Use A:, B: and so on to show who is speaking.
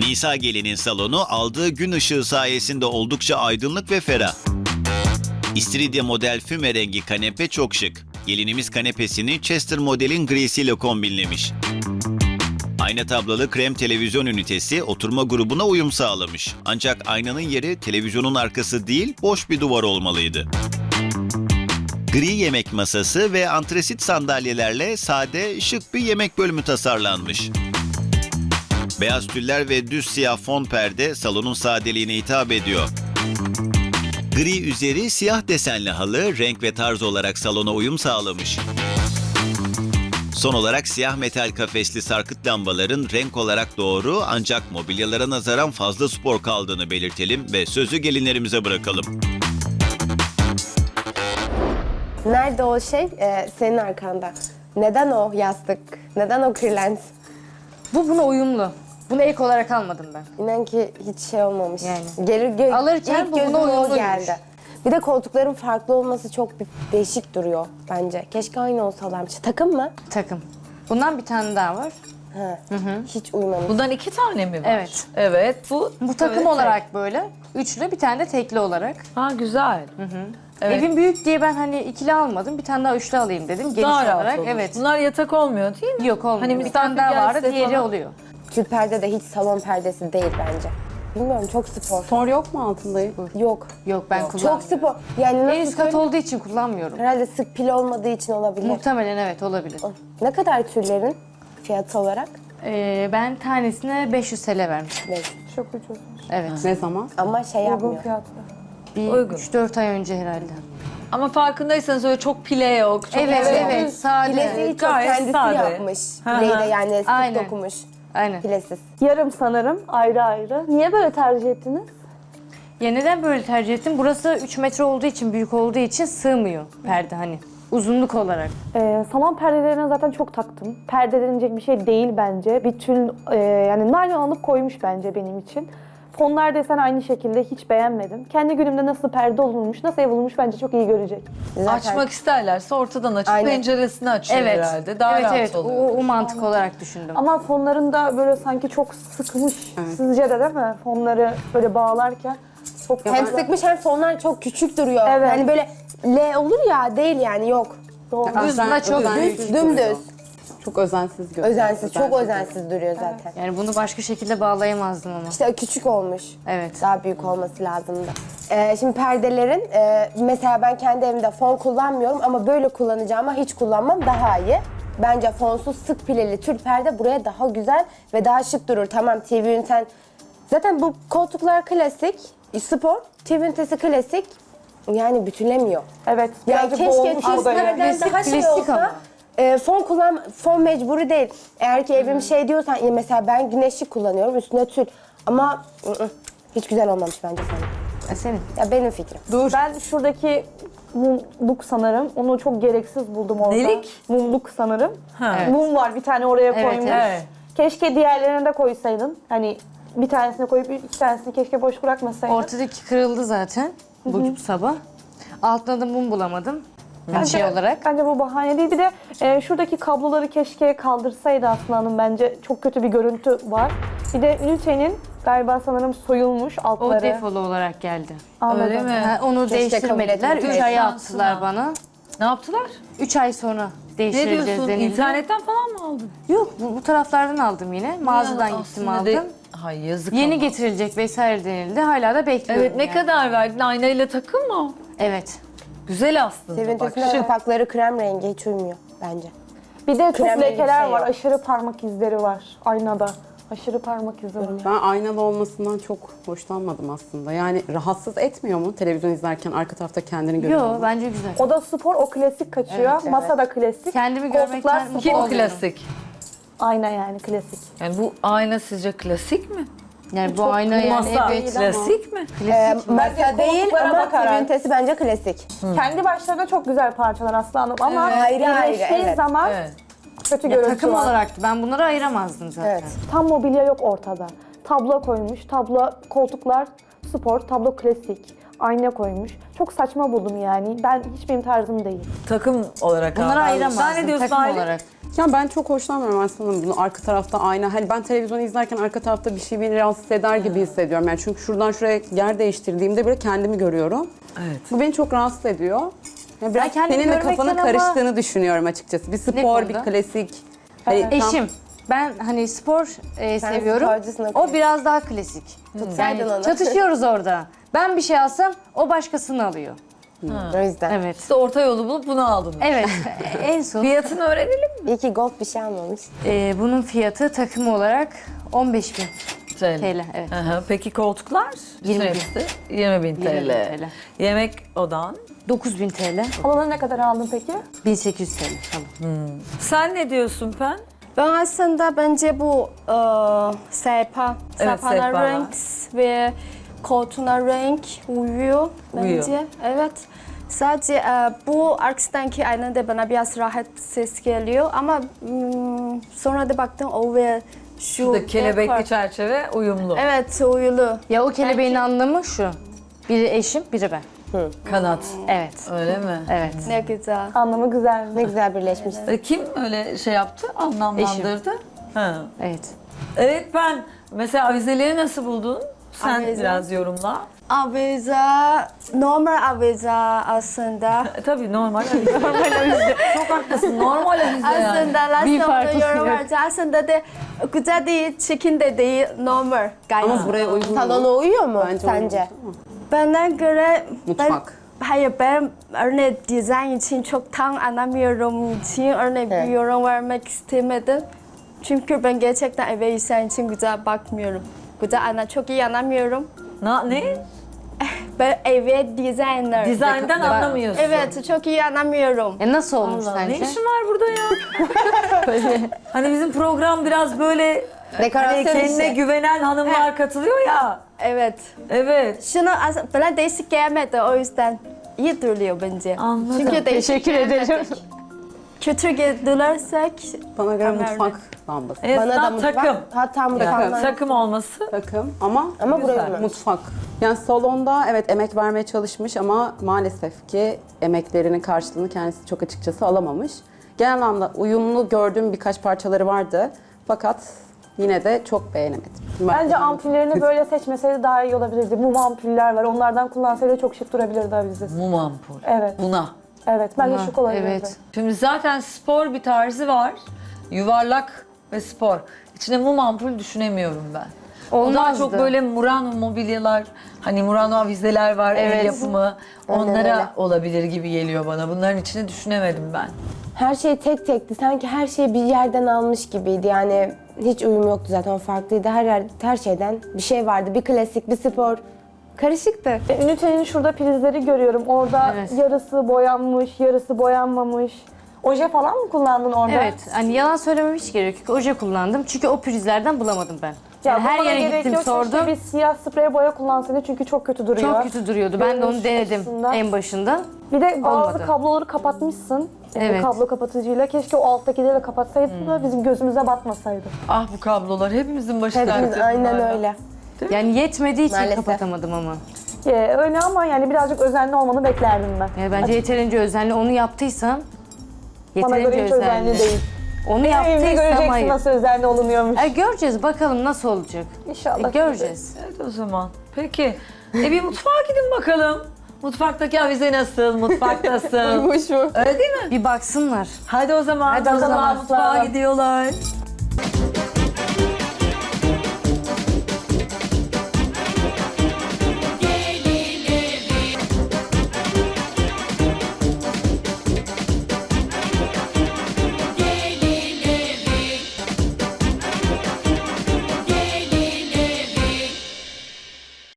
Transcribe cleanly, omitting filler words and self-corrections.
A: Nisa gelinin salonu aldığı gün ışığı sayesinde oldukça aydınlık ve ferah. İstiridye model füme rengi kanepe çok şık. Gelinimiz kanepesini Chester modelin grisiyle kombinlemiş. Ayna tablalı krem televizyon ünitesi oturma grubuna uyum sağlamış. Ancak aynanın yeri televizyonun arkası değil, boş bir duvar olmalıydı. Gri yemek masası ve antresit sandalyelerle sade, şık bir yemek bölümü tasarlanmış. Beyaz tüller ve düz siyah fon perde salonun sadeliğine hitap ediyor. Gri üzeri siyah desenli halı renk ve tarz olarak salona uyum sağlamış. Son olarak siyah metal kafesli sarkıt lambaların renk olarak doğru ancak mobilyalara nazaran fazla spor kaldığını belirtelim ve sözü gelinlerimize bırakalım.
B: Nerede o şey? Senin arkanda. Neden o yastık? Neden o kırlent?
C: Bu buna uyumlu. Bunu ek olarak almadım ben.
B: İnan ki hiç şey olmamış.
C: Yani.
B: İlk
C: Alırken bu buna
B: gözüme o
C: uyumluymuş.
B: geldi. Bir de koltukların farklı olması çok bir değişik duruyor bence. Keşke aynı olsalarmış. Takım mı?
C: Takım. Bundan bir tane daha var.
B: Ha. Hiç uymamış.
D: Bundan 2 tane mi var?
C: Evet.
D: Evet.
C: Bu takım
D: evet,
C: olarak böyle. Üçlü, bir tane de tekli olarak.
D: Ha güzel. Evet.
C: Evim büyük diye ben hani ikili almadım. Bir tane daha üçlü alayım dedim. Geniş
D: Daha rahat
C: olarak.
D: olur.
C: Evet.
D: Bunlar yatak olmuyor değil mi?
C: Yok olmuyor.
D: Hani
C: Bir tane daha
D: misafir
C: vardı,
D: gelse
C: diğeri
D: falan.
C: oluyor.
B: Tül perde de hiç salon perdesi değil bence. Bilmiyorum, çok spor.
E: Spor yok mu altında?
B: Yok.
C: Yok ben
B: Çok
C: kullanmıyorum.
B: spor. Yani
C: En
B: nasıl
C: üst kat
B: söyleyeyim?
C: olduğu için kullanmıyorum.
B: Herhalde sık pil olmadığı için olabilir.
C: Muhtemelen evet olabilir.
B: Ne kadar tüllerin fiyatı olarak?
C: Ben tanesine 500 TL vermiştim.
B: Neyse.
F: Çok ucuz.
C: Evet.
E: Ne zaman?
B: Ama şey
F: Uygun
B: yapmıyor.
F: fiyatlı.
C: Bir
D: Uygun.
C: 3-4 ay önce herhalde.
D: Ama farkındaysanız öyle çok pile yok. Çok
C: Evet, sade.
B: Pilesiyi çok
D: Gayet
B: kendisi
D: sade.
B: yapmış.
D: Hı hı.
B: Pileyi de yani sık
C: Aynen.
B: dokumuş.
C: Aynen.
B: Pilesiz.
F: Yarım sanırım, ayrı ayrı. Niye böyle tercih ettiniz?
C: Ya neden böyle tercih ettim? Burası 3 metre olduğu için, büyük olduğu için sığmıyor perde hani. Uzunluk olarak.
F: Salon perdelerine zaten çok taktım. Perde denilecek bir şey değil bence. Bir tül, yani naylon alıp koymuş bence benim için. Fonlar desen aynı şekilde hiç beğenmedim. Kendi günümde nasıl perde olunmuş, nasıl ev olunmuş bence çok iyi görecek.
B: Zaten
D: Açmak isterlerse ortadan açıp
B: Aynen.
D: penceresini açıyor
C: Evet.
D: herhalde. Daha
C: evet,
D: rahat
C: evet.
D: oluyor.
C: O mantık olarak düşündüm.
F: Ama fonlarında böyle sanki çok sıkmış sizce de değil mi? Fonları böyle bağlarken çok
B: hem sıkmış hem fonlar çok küçük duruyor.
F: Evet.
B: Yani böyle L olur ya, değil yani, yok.
F: doğru.
C: Aslında çok
E: özensiz
B: dümdüz.
E: duruyor. Çok özensiz görünüyor.
B: Özensiz, çok özensiz duruyor zaten.
C: Yani bunu başka şekilde bağlayamazdım ama.
B: İşte küçük olmuş.
C: Evet.
B: Daha büyük olması lazımdı. Şimdi perdelerin, mesela ben kendi evimde fon kullanmıyorum ama böyle kullanacağıma hiç kullanmam daha iyi. Bence fonsuz sık pileli tül perde buraya daha güzel ve daha şık durur. Tamam, TV üniten, zaten bu koltuklar klasik, spor, TV ünitesi klasik. Yani bütünlemiyor.
F: Evet.
B: Yani
F: birazcık
B: keşke
F: boğulmuş bu da yani.
B: tüllerden daha şey
C: klasik
B: olsa. Fon mecburi değil. Eğer ki evim şey diyorsan, ya mesela ben güneşlik kullanıyorum, üstüne tül. Ama hiç güzel olmamış bence sana.
C: Senin.
B: Ya benim fikrim.
F: Ben şuradaki mumluk sanırım. Onu çok gereksiz buldum orada.
D: Nelik?
F: Mumluk sanırım.
D: Ha.
C: Evet.
F: Mum var, bir tane oraya
C: Evet,
F: koymuş.
D: evet.
F: Keşke diğerlerini de koysaydın. Hani bir tanesini koyup iki tanesini keşke boş bırakmasaydın.
C: Ortadaki kırıldı zaten bu sabah. Altına da mum bulamadım. Şey olarak.
F: Bence bu bahane değil. Bir de şuradaki kabloları keşke kaldırsaydı Aslı Hanım, bence çok kötü bir görüntü var. Bir de ünitenin galiba sanırım soyulmuş
C: O
F: altları.
C: defolu olarak geldi.
F: Anladım.
D: Öyle mi?
C: Ha, onu
B: Keşke
C: değiştirmediler.
B: kabul
C: 3 ay
D: etmedi.
C: attılar bana.
D: Ne yaptılar?
C: 3 ay sonra
D: Ne
C: değiştireceğiz
D: diyorsun?
C: denildi.
D: İnternetten falan mı aldın?
C: Yok, bu taraflardan aldım yine. Mağazadan
D: Ya,
C: gittim
D: aslında
C: aldım.
D: Hay yazık
C: Yeni
D: ama.
C: getirilecek vesaire denildi. Hala da bekliyorum.
D: Evet, ne
C: yani.
D: kadar verdin? Aynayla takım mı?
C: Evet.
D: Güzel aslında.
B: TV
D: Bak,
B: ünitesinde
D: şık.
B: kapakları krem rengi, hiç uymuyor bence.
F: Bir de çok
B: Krem rengi
F: lekeler
B: şey
F: var.
B: yok.
F: Aşırı parmak izleri var aynada. Aşırı parmak izi var.
E: Ben aynalı olmasından çok hoşlanmadım aslında. Yani rahatsız etmiyor mu televizyon izlerken arka tarafta kendini görüyor
C: Yo,
E: mu?
C: bence güzel.
F: O da spor, o klasik kaçıyor.
B: Evet,
F: Masa da klasik.
C: Kendimi
F: Koltuklar
C: görmekten
F: spor.
C: mutlu
D: Kim
C: oluyorum.
D: klasik?
F: Ayna yani klasik.
D: Yani bu ayna sizce klasik mi?
C: Yani bu ayna yani
D: Masa
C: evet.
D: klasik mi?
B: Masa değil
F: koltuklara
B: ama
F: bakarak.
B: TV ünitesi bence klasik.
F: Kendi başlarına çok güzel parçalar Aslı Hanım ama
B: Evet. Ayrı ayrı,
F: birleştiği
B: evet.
F: zaman
D: Evet.
F: kötü
C: Ya,
F: görüntü
C: takım
F: var.
C: olarak ben bunları ayıramazdım zaten.
B: Evet.
F: Tam mobilya yok ortada. Tablo koymuş, tablo koltuklar spor, tablo klasik. Ayna koymuş. Çok saçma buldum yani. Ben hiç benim tarzım değil.
D: Takım olarak
C: Bunları
D: aldın.
C: ayıramazdım.
D: Sen ne diyorsun
C: takım
D: Aylin?
C: olarak.
E: Ya ben çok hoşlanmıyorum aslında bunu arka tarafta ayna. Hani ben televizyonu izlerken arka tarafta bir şey beni rahatsız eder gibi hissediyorum. Yani çünkü şuradan şuraya yer değiştirdiğimde bile kendimi görüyorum.
D: Evet.
E: Bu beni çok rahatsız ediyor. Ya biraz
C: kendimi
E: senin de
C: görmekten
E: kafanın
C: ama-
E: karıştığını düşünüyorum açıkçası. Bir spor, bir
C: konuda?
E: klasik. Hani tam-
C: Eşim. Ben hani spor seviyorum.
B: sporcusun,
C: O
B: okey.
C: biraz daha klasik.
B: Tutsaydın onu.
C: Çatışıyoruz orada. Ben bir şey alsam o başkasını alıyor.
B: O yüzden.
C: Evet.
D: İşte orta yolu bulup bunu aldın.
C: Evet. En son
D: Fiyatını öğrenelim mi?
B: İyi ki gold bir şey almamış.
C: bunun fiyatı takım olarak 15.000 TL. Evet.
D: Aha, peki koltuklar?
C: 20.000.
D: 20.000 TL.
C: 20.000 TL.
D: Yemek odan?
C: 9.000 TL.
F: Halıları ne kadar aldın peki?
C: 1800 TL. Tamam.
D: Sen ne diyorsun Pen?
G: Ben aslında bence bu sehpa,
D: Evet,
G: sehpanın
D: sehpalar.
G: renk ve koltuğuna renk uyuyor bence.
D: Uyuyor.
G: Evet. Sadece bu arkasındaki ayna da bana biraz rahatsız geliyor ama sonra da baktım o ve şu
D: Şurada kelebekli
G: dekor.
D: çerçeve uyumlu.
G: Evet, uyulu.
C: Ya o kelebeğin anlamı şu. Biri eşim, biri ben.
D: Kanat.
C: Evet.
D: Öyle mi?
C: Evet.
G: Ne güzel.
F: Anlamı güzel.
B: Ne güzel birleşmiş.
D: Kim öyle şey yaptı? Anlamlandırdı. Ha.
C: Evet.
D: Evet ben mesela avizeleri nasıl buldun? Sen
G: Avize.
D: biraz yorumla.
G: Avize, normal avize aslında.
D: Tabii normal avize. normal avize. Çok haklısın. Normal avize yani.
G: Aslında
C: Bir
G: last
C: farkı
G: yorum
C: yok.
G: vardı. Aslında da güzel değil, çirkin de değil, normal. Gayet.
E: Ama buraya uygun mu?
B: Salona uyuyor mu
E: Bence
B: sence?
E: uygun ama.
G: Bana göre
E: Mutfak.
G: hayır ben örneğin dizayn için çok tam anlamıyorum için örneğin
B: Evet.
G: bir yorum vermek istemedim. Çünkü ben gerçekten eve dizayn için güzel bakmıyorum. Güzel çok iyi anlamıyorum.
D: Ne?
G: Ben eve designer.
D: Dizayndan anlamıyorsun.
G: Evet çok iyi anlamıyorum.
C: Nasıl olmuş
D: Allah,
C: sence?
D: ne işin var burada ya? Hani bizim program biraz böyle hani
B: Dekorasyon
D: kendine
B: işi.
D: güvenen hanımlar katılıyor ya.
G: Evet.
D: Evet.
G: Şunu bana değişik gelmedi o yüzden iyi duruyor bence.
D: Anladım.
G: Çünkü değişik
C: Teşekkür ederim.
G: kötü geldirsek
E: Bana göre
G: Tamam,
E: mutfak lambası.
D: Evet,
B: Bana da
D: tam
B: mutfak.
D: takım.
B: Hatta mutfaklar.
D: Takım olması.
E: Takım ama
B: Ama buraya
D: Güzel.
B: uymamış.
E: mutfak. Yani salonda evet emek vermeye çalışmış ama maalesef ki emeklerinin karşılığını kendisi çok açıkçası alamamış. Genel anlamda uyumlu gördüğüm birkaç parçaları vardı. Fakat yine de çok beğenemedim.
F: Bence ampullerini böyle seçmeseydi daha iyi olabilirdi. Mum ampuller var. Onlardan kullansaydı çok şık durabilirdi avizesi.
D: Mum ampul.
F: Evet.
D: Buna.
F: Evet. Bence şık olabilirdi.
C: Evet.
D: Şimdi zaten spor bir tarzı var. Yuvarlak ve spor. İçine mum ampul düşünemiyorum ben. O daha
C: Olmazdı.
D: çok böyle Murano mobilyalar, hani Murano avizeler var, el
C: Evet.
D: yapımı.
B: Aynen
D: Onlara
B: öyle.
D: olabilir gibi geliyor bana. Bunların içine düşünemedim ben.
B: Her şey tek tekti. Sanki her şeyi bir yerden almış gibiydi. Yani hiç uyum yoktu zaten. O farklıydı. Her şeyden bir şey vardı. Bir klasik, bir spor. Karışıktı.
F: Ünitenin şurada prizleri görüyorum. Orada
C: Evet.
F: yarısı boyanmış, yarısı boyanmamış. Oje falan mı kullandın orada?
C: Evet. Hani yalan söylemem hiç gerek yok. Oje kullandım. Çünkü o prizlerden bulamadım ben. Yani her
F: bulmana
C: yere
F: gerek
C: gittim
F: yok.
C: sordum.
F: Keşke bir siyah sprey boya kullansaydın çünkü çok kötü duruyor.
C: Çok kötü duruyordu. Ben de onu
F: Görünüş
C: denedim
F: açısından.
C: en başında.
F: Bir de bazı
C: Olmadı.
F: kabloları kapatmışsın.
C: Evet.
F: Kablo kapatıcıyla. Keşke o alttakileri de kapatsaydın da bizim gözümüze batmasaydı.
D: Ah bu kablolar hepimizin başı
B: Hepimiz
D: dertte
B: aynen
D: bunlarla.
B: öyle.
C: Yani yetmediği için
B: Maalesef.
C: kapatamadım ama.
F: Öyle ama yani birazcık özenli olmanı beklerdim ben.
C: Yani bence yeterince özenli. Onu yaptıysam
F: Bana göre hiç özenli değil.
C: Onu
F: Evde
C: yaptıysam
F: göreceksin
C: hayır.
F: nasıl özenli olunuyormuş.
C: Göreceğiz bakalım nasıl olacak.
F: İnşallah.
C: Göreceğiz.
D: Evet o zaman. Peki. Bir mutfağa gidin bakalım. Mutfaktaki avize nasıl? Mutfak nasıl?
B: Uymuş mu?
D: Öyle değil mi?
C: Bir baksınlar.
D: Hadi o zaman.
C: Hadi o zaman
D: mutfağa
F: aslanım.
D: gidiyorlar.